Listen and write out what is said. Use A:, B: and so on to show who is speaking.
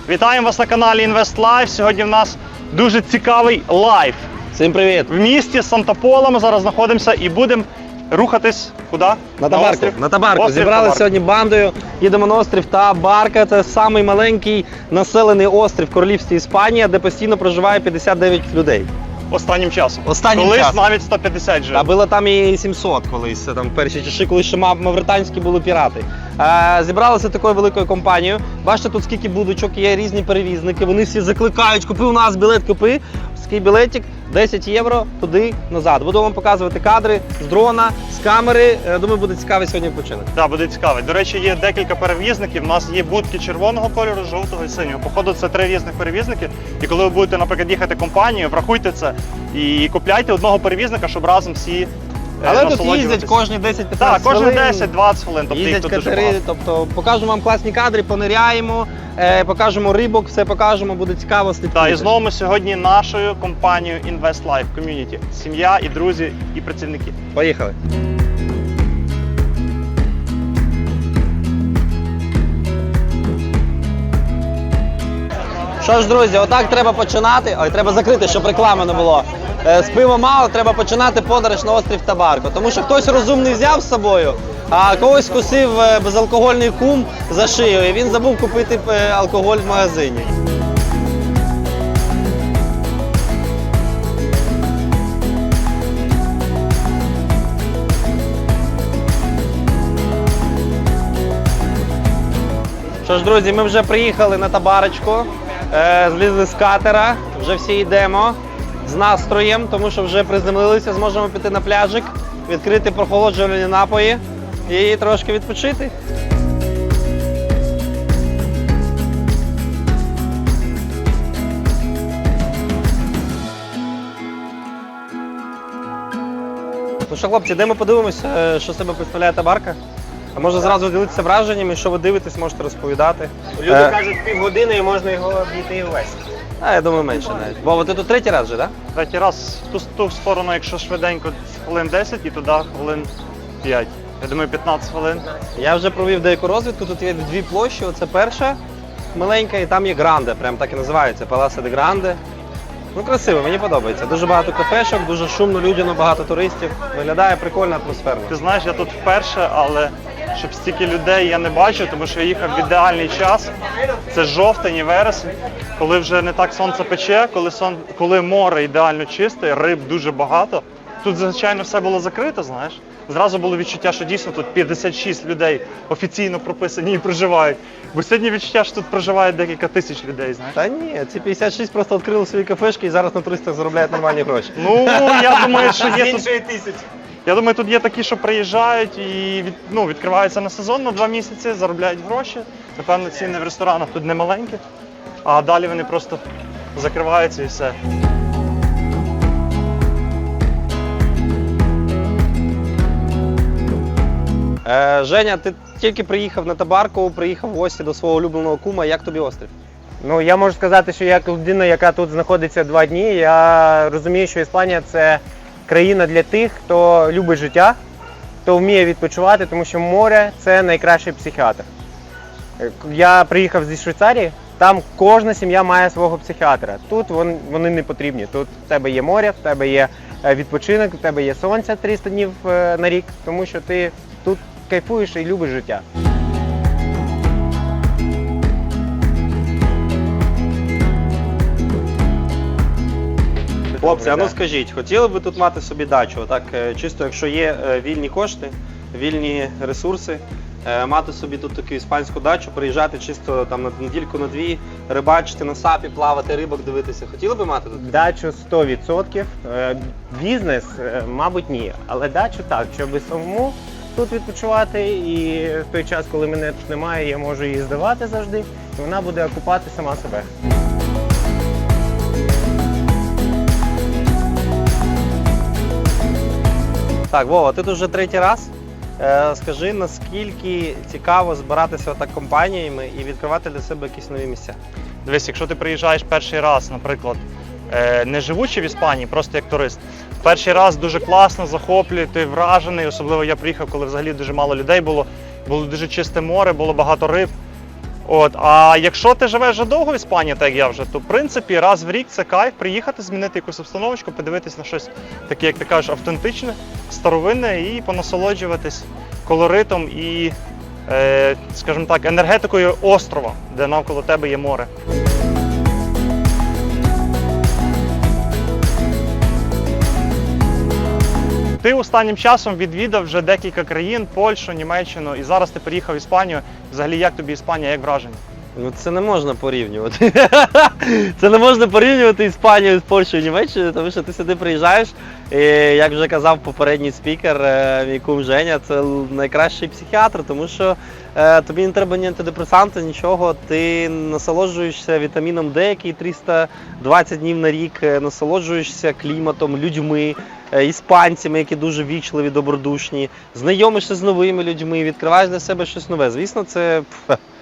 A: Вітаємо вас на каналі Invest Life. Сьогодні в нас дуже цікавий лайв.
B: Всім привіт!
A: В місті Санта-Пола ми зараз знаходимося і будемо рухатись куди?
B: На Табарку.
A: острів?
B: На Табарку.
A: Острів
B: Зібралися
A: Табарку.
B: сьогодні бандою, їдемо на острів Табарка. Це самий маленький населений острів в королівстві Іспанія, де постійно проживає 59 людей.
A: Останнім часом.
B: Останнім
A: Колись
B: часом.
A: навіть 150 жив.
B: А було там і 700 колись, це там в перші часи, коли ще мавританські були пірати. Зібралися такою великою компанією. Бачите, тут скільки будочок, є різні перевізники, вони всі закликають, купи у нас білет, купи. Такий білетик, 10 євро, туди, назад. Буду вам показувати кадри з дрона, з камери. Думаю, буде цікавий сьогодні відпочинок.
A: Так, буде цікаво. До речі, є декілька перевізників. У нас є будки червоного кольору, жовтого і синього. Походу, це 3 різних перевізники. І коли ви будете, наприклад, їхати компанією, врахуйте це і купляйте одного перевізника, щоб разом всі
B: Але тут
A: насолоджуватись.
B: їздять кожні 10-15
A: Так, кожні
B: хвилин.
A: 10-20 хвилин, тобто їх
B: Їздять
A: тут дуже
B: катери,
A: багато.
B: тобто покажемо вам класні кадри, пониряємо, покажемо рибок, все покажемо, буде цікаво слідкувати.
A: Так, і знову ми сьогодні нашою компанією Invest Life Community. Сім'я, і друзі, і працівники.
B: Поїхали. Що ж, друзі, отак треба починати. Ой, треба закрити, щоб реклами не було. З пива мало, треба починати подорож на острів Табарко. Тому що хтось розумний взяв з собою, а когось кусив безалкогольний кум за шию, і він забув купити алкоголь в магазині. Що ж, друзі, ми вже приїхали на Табарочку, злізли з катера, вже всі йдемо з настроєм, тому що вже приземлилися, зможемо піти на пляжик, відкрити прохолоджувальні напої і трошки відпочити. Ну що, хлопці, йдемо подивимося, що себе представляє Табарка. А може зразу ділитися враженнями, що ви дивитесь, можете розповідати.
C: Люди кажуть, півгодини і можна його обійти весь.
B: Я думаю, менше навіть. Вова, ти тут третій раз вже, так?
A: Третій раз в ту сторону, якщо швиденько, хвилин 10 і туди хвилин 5. Я думаю, 15 хвилин.
B: Я вже провів деяку розвідку, тут є дві площі, оце перша маленька і там є Гранде, прям так і називається, Паласа де Гранде. Ну красиво, мені подобається. Дуже багато кафешок, дуже шумно, людяно, багато туристів. Виглядає прикольно, атмосферно.
A: Ти знаєш, я тут вперше, але щоб стільки людей я не бачив, тому що я їхав в ідеальний час. Це жовтень і вересень, коли вже не так сонце пече, коли море ідеально чисте, риб дуже багато. Тут, звичайно, все було закрито, знаєш. Зразу було відчуття, що дійсно тут 56 людей офіційно прописані і проживають. Бо сьогодні відчуття, що тут проживає декілька тисяч людей, знаєш.
B: Та ні, ці 56 просто відкрили свої кафешки і зараз на туристах заробляють нормальні гроші.
A: Ну, я думаю, що
C: З
A: є тут...
C: іншої тисячі.
A: Я думаю, тут є такі, що приїжджають і відкриваються на сезон на 2 місяці, заробляють гроші. Напевно, ціни в ресторанах тут не маленькі, а далі вони просто закриваються і все.
B: Женя, ти тільки приїхав на Табарку, приїхав в гості до свого улюбленого кума. Як тобі острів?
C: Ну, я можу сказати, що як людина, яка тут знаходиться 2 дні, я розумію, що Іспанія – це країна для тих, хто любить життя, хто вміє відпочивати, тому що море – це найкращий психіатр. Я приїхав зі Швейцарії, там кожна сім'я має свого психіатра. Тут вони не потрібні. Тут в тебе є море, в тебе є відпочинок, в тебе є сонце 300 днів на рік, тому що ти тут кайфуєш і любиш життя.
B: Хлопці, а ну скажіть, хотіли б ви тут мати собі дачу? Так, чисто якщо є вільні кошти, вільні ресурси, мати собі тут таку іспанську дачу, приїжджати чисто там на недільку, на 2, рибачити на сапі, плавати, рибок дивитися. Хотіли б мати тут?
C: Дачу 100%, бізнес, мабуть, ні, але дачу так, щоб самому тут відпочивати і в той час, коли мене тут немає, я можу її здавати завжди, і вона буде окупати сама себе.
B: Так, Вова, ти тут вже третій раз. Скажи, наскільки цікаво збиратися отак компаніями і відкривати для себе якісь нові місця?
A: Дивись, якщо ти приїжджаєш перший раз, наприклад, не живучи в Іспанії, просто як турист, перший раз дуже класно, захоплює, ти вражений, особливо я приїхав, коли взагалі дуже мало людей було дуже чисте море, було багато риб. От, а якщо ти живеш вже довго в Іспанії, так як я вже, то в принципі раз в рік це кайф приїхати, змінити якусь обстановочку, подивитись на щось таке, як ти кажеш, автентичне, старовинне і понасолоджуватись колоритом і, скажімо так, енергетикою острова, де навколо тебе є море. Ти останнім часом відвідав вже декілька країн, Польщу, Німеччину, і зараз ти приїхав в Іспанію. Взагалі, як тобі Іспанія, як враження?
B: Ну це не можна порівнювати. Це не можна порівнювати Іспанію з Польщею і Німеччиною, тому що ти сюди приїжджаєш, і, як вже казав попередній спікер, мій кум Женя, це найкращий психіатр, тому що тобі не треба ні антидепресанти, нічого, ти насолоджуєшся вітаміном Д, який 320 днів на рік, насолоджуєшся кліматом, людьми, іспанцями, які дуже вічливі, добродушні, знайомишся з новими людьми, відкриваєш для себе щось нове. Звісно, це